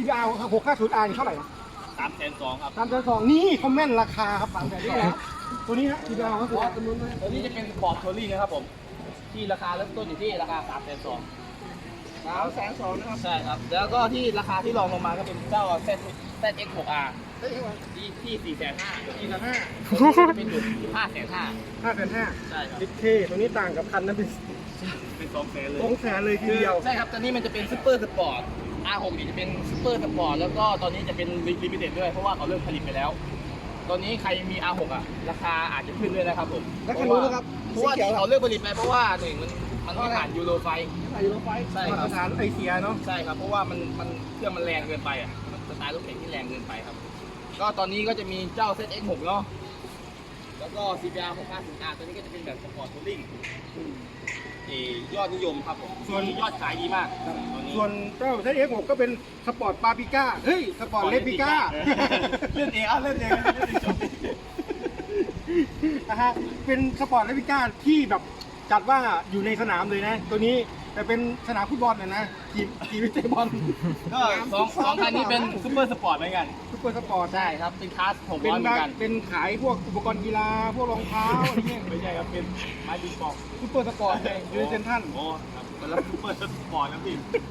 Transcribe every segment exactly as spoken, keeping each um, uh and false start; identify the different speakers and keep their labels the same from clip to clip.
Speaker 1: พี อาร์ หกห้าศูนย์ อาร์ เท่าไหร่นะ
Speaker 2: สามแสนสองครับ
Speaker 1: สามแสนสองนี่คอมเมนต์ราคาครับสามแสนสองตัวนี้ฮะ ที พี อาร์ ก็คือ
Speaker 2: ตัวนี้จะเป็นสปอร์ตทัวริ่งนะครับผมที่ราคาเริ่มต้นอยู่ที่ราคาสามแสนสอง
Speaker 1: สามแสนสองนะครับ
Speaker 2: ใช่ครับแล้วก็ที่ราคาที่รองลงมาก็เป็นเจ้า Z ZX หก อาร์
Speaker 1: ได้ยังไง
Speaker 2: ที่ที่สี่แสนห้า
Speaker 1: สี่แสนห้า
Speaker 2: เป็นอยู่ห้าแสนห้า
Speaker 1: ห้าแสนห้า
Speaker 2: ใช่ครับ
Speaker 1: ดิเคตัวนี้ต่างกับคันนั้นเป็น
Speaker 2: เป็นสองแสนเลย
Speaker 1: สองแสนเลยทีเดียว
Speaker 2: ใช่ครับตอนนี้มันจะเป็นซูเปอร์สปอร์ต อาร์ หก นี่จะเป็นซูเปอร์สปอร์ตแล้วก็ตอนนี้จะเป็นลิมิเต็ดด้วยเพราะว่าเขาเริ่มผลิตไปแล้ว ตอนนี้ใครมี อาร์ หก อ่ะราคาอาจจะขึ้นด้วยนะครับผม
Speaker 1: แล้วคันนู้นนะครับ
Speaker 2: เพราะว่าที่เขาเลิกผลิตไปเพราะว่าหนึ่งมันมันไม่ผ่านยูโรไฟ
Speaker 1: ใส่ยูโรไฟ
Speaker 2: ใช่ครับ
Speaker 1: มาตรฐานไอเสียเนาะ
Speaker 2: ใช่ครับเพราะว่ามันมันเครื่องมันแรงเกินไปอ่ะมันสไตล์รถเข็นที่แรงเกินไปครับ ก็ตอนนี้ก็จะมีเจ้า ZX หก เนาะแล้วก็ ซี พี อาร์ หกห้าศูนย์ อาร์ ตัวนี้ก็จะเป็นแบบสปอร์ตทัวริ่งเอ่อยอดนิยมครับผมส่วนยอดขายดีมากตัวนี้
Speaker 1: ส่วนเจ้า เอส หก ก็เป็นสปอร์ตปาปิก้าเฮ้ยสปอร์ตเลปิก้า
Speaker 2: เล่นเองอ่ะเล่นเองเล่นเองจบ
Speaker 1: นะฮะเป็นสปอร์ตเลปิก้าที่แบบจัดว่าอยู่ในสนามเลยนะ ตัวนี้แต่เป็นสนามฟุตบอลนะนะทีมทีมเตะบอล
Speaker 2: ก็สองสองคันนี้เป็นซูเปอร์สปอร์ตเหมือนกัน
Speaker 1: ซุปเปอร์สปอร์ต
Speaker 2: ใช่ครับเป็นคลาสหก
Speaker 1: เป็น
Speaker 2: ร้อยเหมือนกัน
Speaker 1: เป็นขายพวกอุปกรณ์กีฬาพวกรองเท้าอะไรเงี้ย
Speaker 2: ไม่ใช่ครับเป็นไม้บิงปอง
Speaker 1: ซุปเปอร์สปอร์ตเลยอยู่ในเซ็นทรัล
Speaker 2: โอ้ครับเป็นรับซูเปอร์สปอร์ตนะพี่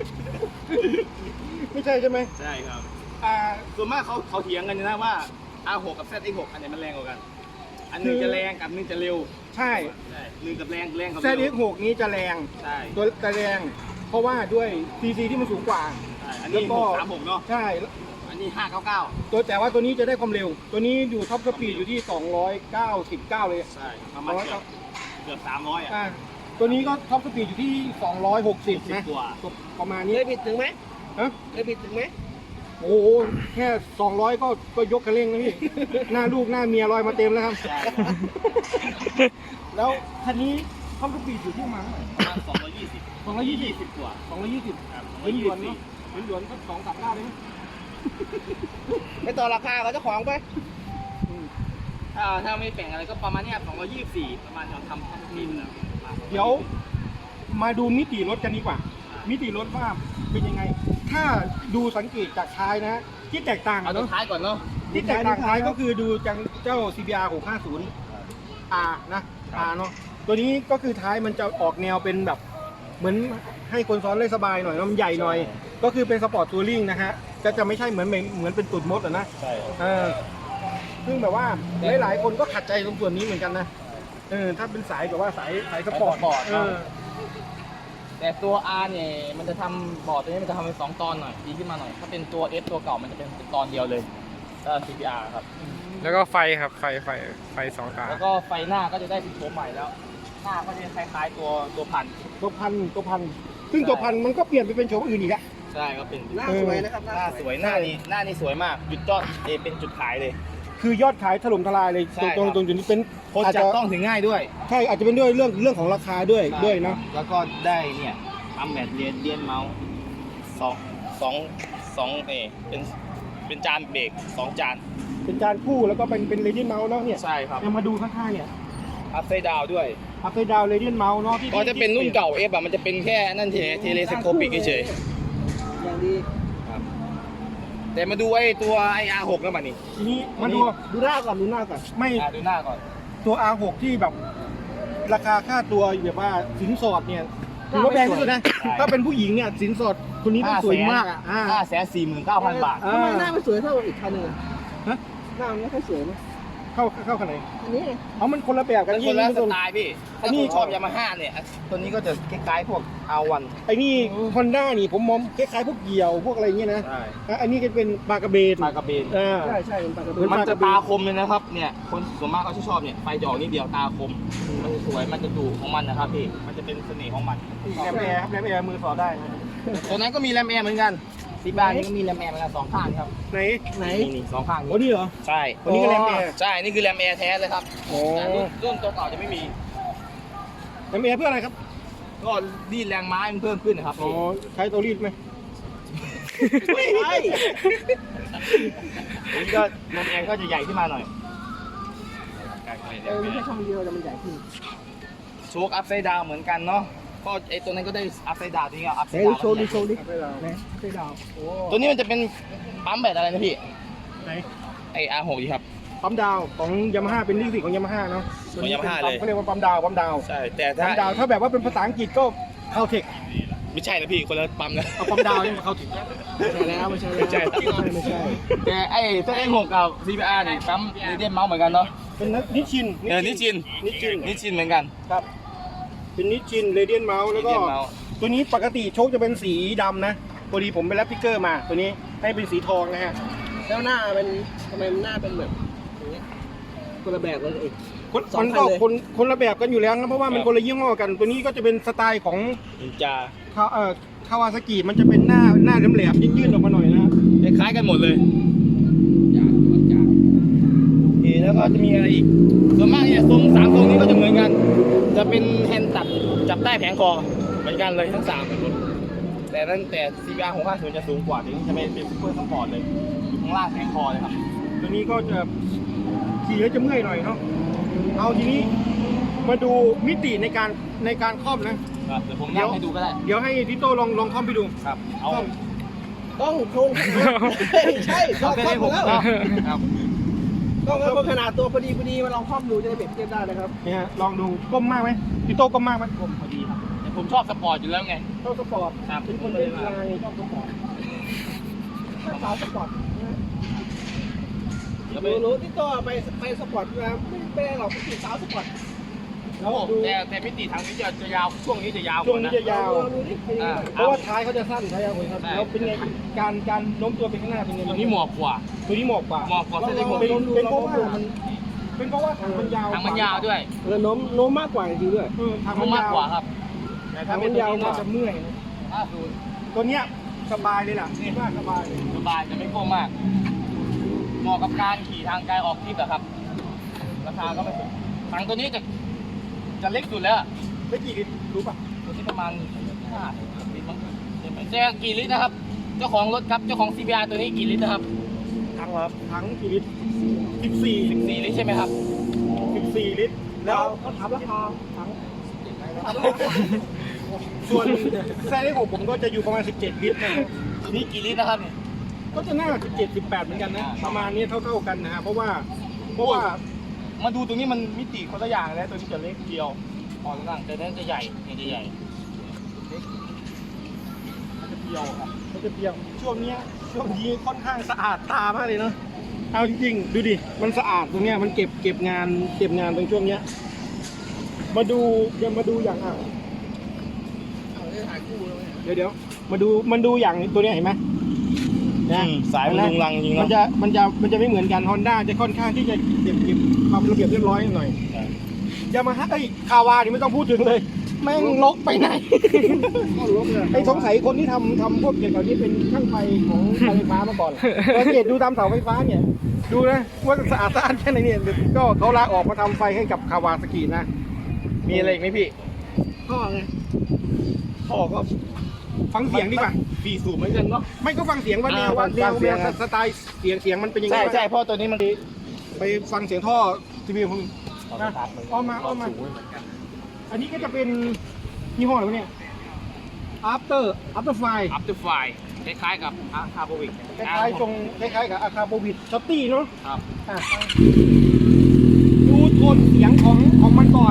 Speaker 1: ไม่ใช่ใช่ไหม
Speaker 2: ใช่ครับ
Speaker 1: อ่า
Speaker 2: ส่วนมากเขาเขาเถียงกันนะว่า อาร์ หก กับ ZX หก อันไหนมันแรงกว่ากัน อันหนึงจะแรงกับอันหนึงจะเร็ว
Speaker 1: ใช่
Speaker 2: ใช่หนึ่งกับแรงแรงกับ
Speaker 1: แซ
Speaker 2: เร็
Speaker 1: ด
Speaker 2: ว
Speaker 1: เอ็กซ์หกนี้จะแรง
Speaker 2: ใช่
Speaker 1: ตัวจะแรง เพราะว่าด้วยซีซีที่มันสูงกว่า
Speaker 2: ใช่อัน
Speaker 1: แล้
Speaker 2: นี้
Speaker 1: วก็
Speaker 2: หกสามหกเนาะ
Speaker 1: ใช่
Speaker 2: อันนี้ห้าเก้าเก้า
Speaker 1: ตัวแต่ว่าตัวนี้จะได้ความเร็ว ตัวนี้อยู่ท็อปสปีดอยู่ที่สองร้อยเก้าสิบเก้าเลย
Speaker 2: ใช่ประมาณเกือบเกือบสามร้อยอ่ะ
Speaker 1: อ่าตัวนี้ก็ท็อปสปีดอยู่ที่สองร้อยหกสิบนะ
Speaker 2: กว่า
Speaker 1: ประมาณนี้
Speaker 3: เคยผิดถึงไหม
Speaker 1: ฮะ
Speaker 3: เคยผิดถึงไหม
Speaker 1: โอ้โหแค่สองร้อยก็ก็ยกกระเร่งแล้วพี่ หน้าลูกหน้าเมียลอยมาเต็มแล้วครับ
Speaker 2: ใช่
Speaker 1: แล้วคันนี้ท็อปสปีดอยู่ที่ประมาณเท่าไหร่
Speaker 2: ประมาณสองร้อยยี่สิบ
Speaker 1: สองร้อยยี่สิบ
Speaker 2: สิบกว่า
Speaker 1: สองร้อยยี่สิบ
Speaker 2: ครับ
Speaker 1: เหมือนหยวนเนาะเหมือนหยวนก็สองสามเก้าได้ไหม
Speaker 3: ไปต่อราคากับเจ้าของไป
Speaker 2: ถ้าถ้าไม่แบ่งอะไรก็ประมาณเนี้ยสองร้อยยี่สิบสี่ประมาณเราทำทำทีมแล้ว
Speaker 1: เดี๋ยวมาดูมิติรถกันดีกว่า มิติรถว่าเป็นยังไง ถ้าดูสังเกตจากท้ายนะ ที่แตกต่าง
Speaker 2: เอา
Speaker 1: อะ
Speaker 2: ตัว
Speaker 1: เนาะ
Speaker 2: ท้ายก่อนเนาะ
Speaker 1: ที่แตกต่างท้ายก็คือดูจากเจ้า ซี บี อาร์ หกห้าศูนย์ อาร์ นะ อาร์ เนาะตัวนี้ก็คือท้ายมันจะออกแนวเป็นแบบ เหมือนให้คนซ้อนได้สบายหน่อยเนอะมันใหญ่หน่อย ก็คือเป็นสปอร์ตทัวริงนะฮะก็จะไม่ใช่เหมือนเหมือนเป็นตุ่นมดอะนะ
Speaker 2: ใช่
Speaker 1: เออซึ่งแบบว่าหลายๆคนก็ขัดใจตรงส่วนนี้เหมือนกันนะเออถ้าเป็นสายแบบว่าสายสายสปอร์ตเออ
Speaker 2: แต่ตัว R เนี่ยมันจะทำบอร์ดตัวนี้มันจะทำเป็นสองตอนหน่อยดีขึ้นมาหน่อยถ้าเป็นตัว F ตัวเก่ามันจะเป็นตอนเดียวเลยก็ ซี พี อาร์ ครับ
Speaker 4: แล้วก็ไฟครับไฟไฟไฟสองตา
Speaker 2: แล้วก็ไฟหน้าก็จะได้เป็นโฉมใหม่แล้ว หน้าก็จะคล้ายๆตัวตัวพัน
Speaker 1: ตัวพันตัวพันซึ่งตัวพันมันก็เปลี่ยนไปเป็นโฉมอื่นอีกแล้ว
Speaker 2: ใช่ก็เป็น
Speaker 3: หน้าสวยนะครับ
Speaker 2: หน้าสวยหน้านี้หน้านี้สวยมากจุดยอดเอเป็นจุดขายเลย
Speaker 1: คือยอดขายถล่มทลายเลย
Speaker 2: ใช่
Speaker 1: ตรง
Speaker 2: ครับ
Speaker 1: ตรงจุดนี้เป็น
Speaker 2: คน
Speaker 1: อาจ
Speaker 2: จั
Speaker 1: จะ
Speaker 2: บต้องถึงง่ายด้วย
Speaker 1: ใช่อาจจะเป็นด้วยเรื่องเรื่องของราคาด้วยด้วยเนาะ
Speaker 2: แล้วก็ได้เนี่ยทำแมทเรียนเรียนเมาส์สองสองสองเอเป็นเป็นจานเบรกสองจาน
Speaker 1: เป็นจานคู่แล้วก็เป็นเป็นเรเดียนเมาส์เนาะเนี่ย
Speaker 2: ใช่ครับ
Speaker 1: เอามาดูข้างๆเนี่ย
Speaker 2: อัพไซด์ดาวด้วย
Speaker 1: อัพไซด์ดาวเรเดียนเมาส์เนาะที่
Speaker 2: ก็จะเป็นรุ่นเก่าเอฟอะมันจะเป็นแค่นั่นเทเทเลสโคปิกเฉย
Speaker 3: อย่างดี
Speaker 2: ๆครับแต่มาดูไอ้ตัวไออาร์หกแล้วมันนี่
Speaker 1: ทีนี้มาดู
Speaker 3: ดูหน้าก่อนดูหน้าก่อน
Speaker 1: ไม่
Speaker 2: อ่ะดูหน้าก่อน
Speaker 1: ตัว อาร์ หก ที่แบบราคาค่าตัวแบบว่าสินสอดเนี่ยถือว่าแพงที่สุดนะ ถ้าเป็นผู้หญิงเนี่ยสินสอดคนนี้ต้องสวยมากอ่ะอ่า
Speaker 2: ห้าแสนสี่หมื่นเก้าพันบาท
Speaker 1: อ่า
Speaker 3: ทำไมหน้ามันสวยเท่าอีกคันหนึงอะ
Speaker 1: ฮะ
Speaker 3: หน้ามันไม่ค่อยสวยนะ
Speaker 1: เข้าเข้าขนาดไหน
Speaker 3: อันนี้ไง
Speaker 1: เอามันคนละแบบกัน
Speaker 2: เป็น
Speaker 1: ที่
Speaker 2: คนละ
Speaker 1: นี่
Speaker 2: ส
Speaker 1: คน
Speaker 2: ไตล์พี่
Speaker 1: อั
Speaker 2: ถ้าน
Speaker 1: นี้
Speaker 2: คุณชอบยามาฮ่าเนี่ยตัวนี้ก็จะคล้ายๆพวกอาวัน
Speaker 1: ไอ้นี่ฮอนด้านี่ผมมองคล้ายๆพวกเหยี่ยวพวกอะไรเงี้ยนะ
Speaker 2: ใช่
Speaker 1: อ่ะอันนี้ก็เป็นปลากระเบน
Speaker 2: มากระเบน
Speaker 1: อ่า
Speaker 3: ใช่ใช่เป็นปากกระ
Speaker 1: เหมื
Speaker 3: เบื้
Speaker 1: อ
Speaker 3: อน ง
Speaker 2: มันจะตาคมเลยนะครับเนี่ยคนส่วนมากเขาจะชอบเนี่ยไฟจะออกนิดเดียวตาคมมันจะสวยมันจะดุของมันนะครับพี่มันจะเป็นเสน่ห์ของมัน
Speaker 1: แรมแอร์ครับแรมแอร์มือสอดได้นะ
Speaker 2: ตัวนั้นก็มีแรมแอร์เหมือนกันที่บ้านนี่ก็มีแรมแอร์เหมือนกันสองข้างครับ
Speaker 1: ไหน
Speaker 3: ไหน
Speaker 2: นี่นี่สองข้าง
Speaker 1: โอ้นี่เหรอ
Speaker 2: ใช่
Speaker 1: ตัวนี้ก็แรมแอร์
Speaker 2: ใช่นี่คือแรมแอร์แท้เลยครับ
Speaker 1: โอ้
Speaker 2: แต่รุ่นรุ่นตัวเก่าจะไม่มี
Speaker 1: แรมแอร์เพื่ออะไรครับ
Speaker 2: ก็รีดแรงม้ามันเพิ่มขึ้นนะครับ
Speaker 1: อ๋อใช้ตัวรีดไหม
Speaker 3: ไม่ใช่
Speaker 2: อันนี้ก็แรมแอร์ก็จะใหญ่ขึ้นมาหน่อย
Speaker 3: เออไม่ใช่ช่องเดียวแต่มันใหญ่ขึ้น
Speaker 2: โชคอัพไซด์ดาวเหมือนกันเนาะก็ไอ้ตัวนั้นก็ได้อัพไซด์ดาวนี่ก็อัพไซ
Speaker 3: ไหน
Speaker 2: ด์ดาว
Speaker 3: โชว์ดิโชว์ดิ
Speaker 1: ไปดาว
Speaker 3: ไหนไปดาวโอ้
Speaker 2: ตัวนี้มันจะเป็นปั๊มแบบอะไรนะพี่
Speaker 1: ไหน
Speaker 2: ไอ้ อาร์ หก ดีครับ
Speaker 1: ปั๊มดาวของยามาฮ่าเป็นลิขสิทธิ์ของยามาฮ่าเนาะ
Speaker 2: ของ Yamaha เลย
Speaker 1: เขาเรียกว่าปั๊มดาวปั๊มดาว
Speaker 2: ใช่แต่
Speaker 1: ปั๊
Speaker 2: ถ้าม
Speaker 1: ดาวถ้าแบบว่าเป็นภาษาอังกฤษก็เข้าเทค
Speaker 2: ไม่ใช่นะพี่คนละปั๊มนะ
Speaker 1: เอาปั๊มดาวนี่มาเข้าเทค
Speaker 3: ไม่ใช่แล้วไม่ใช่แล้ว
Speaker 2: ไม่ใช่
Speaker 3: ไม่ใช่
Speaker 2: แต่ไอ้เซตเอ็กหกกับ ซี พี อาร์ นี่ปั๊มเรเดียนเมาส์เหมือนกันเนาะ
Speaker 1: เป็นนิชชิน
Speaker 2: เออนิชิน
Speaker 1: นิชชิน
Speaker 2: นิชินเหมือนกัน
Speaker 1: ครับเป็นนิชชินเรเดียนเมาส์แล้วก็
Speaker 2: Radiant Mouse
Speaker 1: ตัวนี้ปกติโชคจะเป็นสีดำนะพอดีผมไปแรปพิกเกอร์มา ตัวนี้ให้เป็นสีทองนะฮะ
Speaker 3: แล้วหน้าเป็นทำไมมันหน้าเป็นแบบอย่างเงี้ยคนละแบบเลยเอง
Speaker 1: คน
Speaker 3: สอง
Speaker 1: มัน
Speaker 3: คั
Speaker 1: ก็
Speaker 3: นเลย
Speaker 1: คนคนละแบบกันอยู่แล้วนะเพราะว่ามัน
Speaker 2: ครับ
Speaker 1: คนละยี่ห้อกัน ตัวนี้ก็จะเป็นสไตล์ของ
Speaker 2: นินจา
Speaker 1: คาเอ่อคาวาซากิมันจะเป็นหน้าหน้าแหลมๆยื่นๆออกมาหน่อยนะ
Speaker 2: คล้ายๆกันหมดเลย
Speaker 1: โอเคแล้วก็จะมีอะไรอีก
Speaker 2: ส่วนมากเนี่ยทรงสามทรงนี้ก็จะเหมือนกัน จะเป็นแฮนด์จับจับใต้แผงคอเหมือนกันเลยทั้งสามเป็นแต่นั้นแต่ ซี พี อาร์ หกห้าศูนย์จะสูงกว่าถึงจะเป็นเป็นซูเปอร์สปอร์ตเลยอยู่ข้างล่างแผงคอเลยครับ
Speaker 1: ตัวนี้ก็จะขี่แล้วจะเมื่อยหน่อยเนาะเอาทีนี้มาดูมิติในการในการครอบนะ
Speaker 2: ครับเดี๋ยวผมนั่งให้ดูก็ได้
Speaker 1: เดี๋ยวให้ทิโต้ลองลองครอบไปดู
Speaker 2: ครับเอา
Speaker 1: ครอบ
Speaker 3: ต้องโครงขนาดใช่ชอบ
Speaker 2: เอา
Speaker 3: ครอบ
Speaker 2: ให้
Speaker 3: หม
Speaker 2: ผ
Speaker 3: ด
Speaker 2: ม
Speaker 3: แล้ว
Speaker 2: ครับ
Speaker 3: ต้องเอาขนาดตัวพอดีพอดีมาลองครอบดูจะได้เปรียบเทียบได้นะครับ
Speaker 1: เนี่ยฮะลองดูก้มมากไหมทิโต้ก้มมากไหม
Speaker 2: ผมพอดีครับแต่ผมชอบสปอร์ตอยู่แล้วไง
Speaker 1: ชอบสปอร์ต
Speaker 2: ครับ
Speaker 1: เป็นคนเล่นลายชอบสปอร์ตถ้าสาวสปอร์ตนะ
Speaker 2: แล้วไป
Speaker 3: รู้รู้ที่ตัวไปไปสปอร์ตมาไม่ไม่ได้หรอกเป็นสาวสปอร์ต
Speaker 1: แล้วดู
Speaker 2: แต่แต่มิติทางนี้จะจะยาวช่วงนี้จะยาว
Speaker 1: ช่วงนี้จะยาว
Speaker 3: ลองดูดิ
Speaker 2: อ่า
Speaker 1: เพราะว่าท้ายเขาจะสั้นท้ายยาวเลยครับ
Speaker 2: ใช่
Speaker 1: แล้วเป็นไงการการโน้มตัวไปข้างหน้าเป็นไง
Speaker 2: ตัวนี้หมอบกว่า
Speaker 1: ตัวนี้เหมาะกว่า
Speaker 2: เหมาะกว่าเส้นเล็ก
Speaker 1: เป็นเป็นเพราะว่ามันเป็นเพราะว่าถังมันยาว
Speaker 2: ทางมันยาวด้วย
Speaker 3: แล้วโน้มโน้มมากกว่าจริงๆด้วย
Speaker 1: เออถัง
Speaker 2: มั
Speaker 1: มัน น
Speaker 2: มาก
Speaker 1: ยาว
Speaker 2: กว่าครับแต่ถ้า
Speaker 1: ถัง
Speaker 2: เป็
Speaker 1: มัน น
Speaker 2: ตัวย
Speaker 1: าว
Speaker 2: นี้
Speaker 1: ก็
Speaker 2: ก็
Speaker 1: จะเมื่อยนะ
Speaker 2: ห้าศูนย์
Speaker 1: ตัวเนี้ยสบายเลยล่ะนี่ว่าสบายเลย
Speaker 2: สบายจะไม่โค้งมากเหมาะกับการขี่ทางไกลออกทริปอะครับ ราคาก็ไม่ถูกถังตัวนี้จะจะเล็กสุดแล้ว
Speaker 1: ได้กี่ลิตรรู้ป่ะ
Speaker 2: ตัวนี้ประมาณห้าลิตรมั้งใช่กี่ลิตรนะครับ เจ้าของรถครับเจ้าของ ซี บี อาร์ ตัวนี้กี่ลิตรนะครับ
Speaker 1: ถังครับถังกี่ลิตรสิบสี่
Speaker 2: สิบสี่ลิตรใช่ไหมครับ
Speaker 1: สิบสี่ลิตร
Speaker 3: แล้
Speaker 1: แล้ว ว
Speaker 3: เขาถามราคาถัง
Speaker 1: ส่วนไซส์ของผมก็จะอยู่ประมาณสิบเจ็ดลิตรนะครับ
Speaker 2: ตัวนี้กี่ลิตรนะครับเนี่ย
Speaker 1: ก็จะน่าสิบเจ็ด สิบแปดเหมือนกันนะ ประมาณนี้เท่าๆกันนะฮะเพราะว่าเพราะว่า
Speaker 2: มาดูตรงนี้มันมิติคนละอย่างแล้วตัวนี้จะเล็กเดียวพอล่างแต่นั้นจะใหญ่เนี่ยจะใหญ่มันจะเดียวครับ
Speaker 1: มันจะเปรี้ยวช่วงเนี้ยช่วงนี้ค่อนข้างสะอาดตามากเลยเนาะเอาจริงๆดูดิมันสะอาดตรงเนี้ยมันเก็บเก็บงานเก็บงานตรงช่วงเนี้ยมาดูเดี๋ยวมาดูอย่างอ่ะเดี๋ยวเดี๋ยวมาดูมันดูอย่างตัวเนี้ยเห็นไหมนะ
Speaker 2: สายมันลุงลังจริง
Speaker 1: มัน
Speaker 2: เนาะ
Speaker 1: จะมันจะมันจะไม่เหมือนกันฮอนด้าจะค่อนข้างที่จะเก็บเก็บความระเบียบเรียบร้อยหน่อยยามาฮ่าไอ้คาวานี่ไม่ต้องพูดถึงเลย แม่งลกไปไหน
Speaker 3: ก็ลบเลย
Speaker 1: ไอ้สงสัยคนที่ทำทำพวกเกี่ยวกับนี้เป็นช่างไฟของการไฟฟ้ามาก่อนสังเกตดูตามเสาไฟฟ้าเนี่ย ดูนะว่าสะอาดสะอาดแค่ไหนเนี่ยก็เขาลาออกมาทำไฟให้กับคาวาสกินะ
Speaker 2: มีอะไรอีกไหมพี่
Speaker 3: ท่อไง
Speaker 1: พ่อก็ฟังเสียงดีกว่า
Speaker 2: สี่สูบเหมือนกันเนาะ
Speaker 1: ไม่ก็ฟังเสียงว่าแนว
Speaker 2: อ่า
Speaker 1: ว่าแนว
Speaker 2: ฟังเสียง
Speaker 1: แนวสไตล์เสียงเสียงมันเป็นยังไง
Speaker 2: ใช่
Speaker 1: บ้าง
Speaker 2: ใช่เพราะตัวนี้มัน
Speaker 1: ไปฟังเสียงท่อทีวีผมนะอ้อมมาอ้อมมา อันนี้ก็จะเป็นยี่ห้ออะไรวะเนี่ย after after fire
Speaker 2: อัพเดอร์ไฟคล้ายๆกับอาคาโบวิก
Speaker 1: คล้ายๆตรงคล้ายๆกับอาคาโบวิดช็อตตี้เนาะ
Speaker 2: ครับ
Speaker 1: อ่ะดูโทนเสียงของของมันก่อน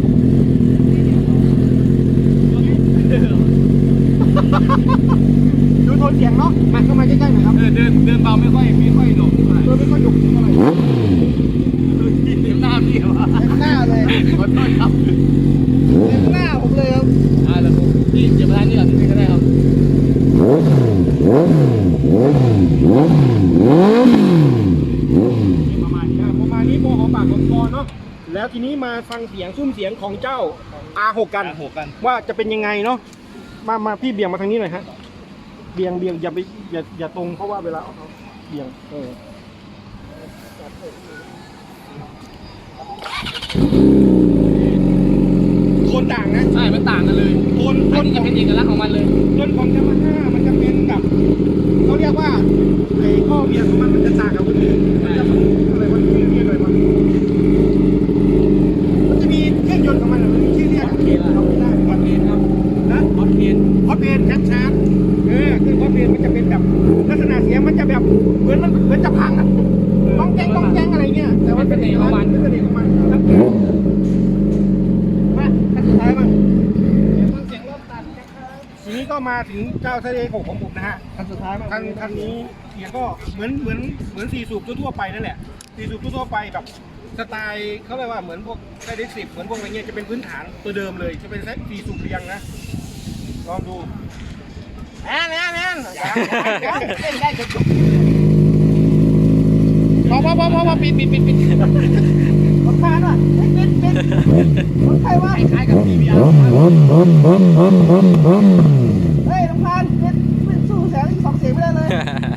Speaker 1: ดูโทนเสียงเนาะมาเข้ามาใกล้ๆหน่อยครับ
Speaker 2: เออเดินเดินเบาไม่ค่อยไม่ค่อยหลงเท่าไหร่
Speaker 1: เออไม่ค่อยดุเท่าไหร่
Speaker 2: เต็มหน้าพี่วะ
Speaker 3: เต็มหน้าเลย
Speaker 2: ขอโทษครับ
Speaker 3: เต็มหน้าผมเลยครับ
Speaker 2: อ่าแล้วผมพี่เจ็บอะไรนี่ก่อนนี่ก็ได้ครับ
Speaker 1: ประมาณนี้ประมาณนี้โมหอปากของคอเนาะแล้วทีนี้มาฟังเสียงซุ้มเสียงของเจ้า อาร์ หก กัน
Speaker 2: หกกัน
Speaker 1: ว่าจะเป็นยังไงเนาะมามาพี่เบี่ยงมาทางนี้หน่อยฮะเบี่ยงเบี่ยงอย่าไปอย่าอย่าตรงเพราะว่าเวลาเอาเอาเบี่ยงเออโทนต่างนะ
Speaker 2: ใช่มันต่างกันเลย
Speaker 1: โทนโท
Speaker 2: อัน
Speaker 1: น
Speaker 2: นี้
Speaker 1: ข
Speaker 2: จะ
Speaker 1: อง
Speaker 2: เป็นเอกลักษณ์ของมันเลย
Speaker 1: โทนของยามาฮ่ามันจะเป็นกับเขาเรียกว่าไอ้ข้อเบี่ยงของมันมันจะต่างกับคนอื่นมันจะอะไรวะชื่อเรียกอะไรวะมันจะมีเครื่องยนต์ของมันอะมันมีชื่อเรียกอะเราไม่ได้
Speaker 2: วัดเองครับ
Speaker 1: แบบเหมือนมันเหมือนจะพังอ่ะต้องแกงต้องแกงอะไรเงี้ยแต่ว่าเป็นเอกลักษณ์เป็นเอกของมันครับมาขั้นสุดท้ายมั้งเดี๋ยวฟังเสียงรถตัดนะครับทีนี้ก็มาถึงเจ้าทะเลหกของผมนะฮะคันสุดท้ายมั้งคันคันนี้เสียงก็เหมือนเหมือนเหมือนสี่สูบทั่วๆไปนั่นแหละสี่สูบทั่วๆไปแบบสไตล์เขาเรียกว่าเหมือนพวกไดเรกสิบเหมือนพวกอะไรเงี้ยจะเป็นพื้นฐานตัวเดิมเลยจะเป็นสี่สูบเรียงนะลองดูแอนแอนแอนเล่นได้จบพอพอพอพอพอปิดปิดปิดปิดรถคานว่ะปิดปิดปิดรถใครวะคล้ายๆกับทีวีอาร์เฮ้ยรถคานปิดปิดสู้แสงสองเสียงไม่ได้เลย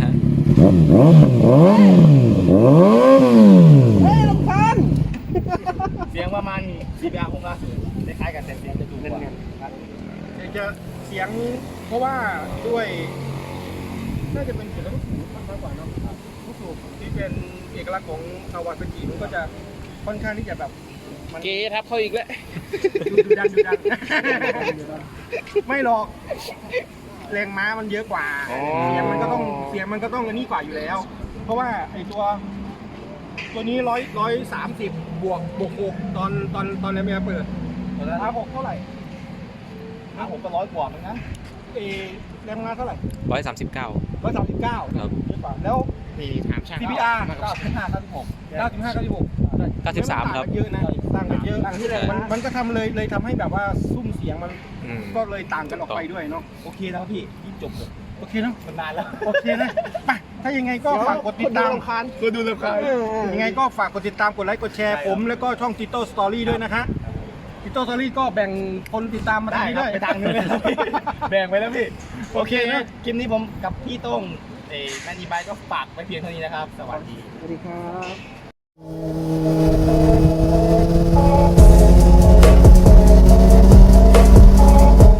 Speaker 1: เฮ้ยรถคาน
Speaker 2: เสียงประมาณ ซี พี อาร์ หกห้าศูนย์คล้ายๆกันแต่เสียงจะดูกว่า
Speaker 1: จะเสียงเพราะว่าด้วยน่าจะเป็นเสียงลูกสูบมากกว่าเนาะลูกสูบที่เป็นเอกลักษณ์ของคาวาซากิมันก็จะค่อนข้างที่จะแบบมัน
Speaker 3: เกทับเขาอีกแล้ว
Speaker 1: ดูดูดันดูดันไม่หรอกแรงม้ามันเยอะกว่าเสียงมันก็ต้องเสียงมันก็ต้องอันนี้กว่าอยู่แล้ว เพราะว่าไอตัวตัวนี้ร้อยร้อยสามสิบบวกบวกหกตอนตอนตอนนี้เมียเปิดอาหกเท่าไหร่
Speaker 2: อ่ะผมก็ร้อยกว่าเหมือนกัน
Speaker 1: เอแรงม้าเท่าไหร่
Speaker 4: ร้อยสามสิบเก้า
Speaker 1: ร้อยสามสิบเก้า
Speaker 4: ครับ
Speaker 1: เยอะกว่าแล้ว
Speaker 3: นี่ถามช่าง
Speaker 1: ซี พี อาร์
Speaker 2: เก้าสิบห้าเก้าสิบหก
Speaker 1: เก้าสิบห้าเก้าสิบหก
Speaker 4: เก้าสิบสามครับ
Speaker 1: เยอะนะต่างกันเยอะมันมันก็ทำเลยเลยทำให้แบบว่าซุ้มเสียงมัน
Speaker 4: อืม
Speaker 1: ก็เลยต่างกันออกไปด้วยเนาะ
Speaker 2: โอเคแล้วพี่ยิ่งจบเลย
Speaker 1: โอเคเนาะ
Speaker 2: มันนานแล้ว
Speaker 1: โอเคนะไปถ้ายังไงก็ฝากกดติดตาม
Speaker 2: คนดูรำคาญ
Speaker 1: ยังไงก็ฝากกดติดตามกดไลค์กดแชร์
Speaker 2: ใช่ครับ
Speaker 1: ผมแล้วก็ช่อง Tito Story ด้วยนะคะ Tito Story ก็แบ่งคนติดตามมาทางนี้ด้วย
Speaker 2: ไปทางนึงเลยครับพี่แบ่งไปแล้วพี่
Speaker 1: โอเคนะ
Speaker 2: คลิปนี้ผมกับพี่โต้งเอ้แมนนี่บายก็ฝากไปเพียงเท่านี้นะครับ สวัสดี
Speaker 1: สวัสดีครับ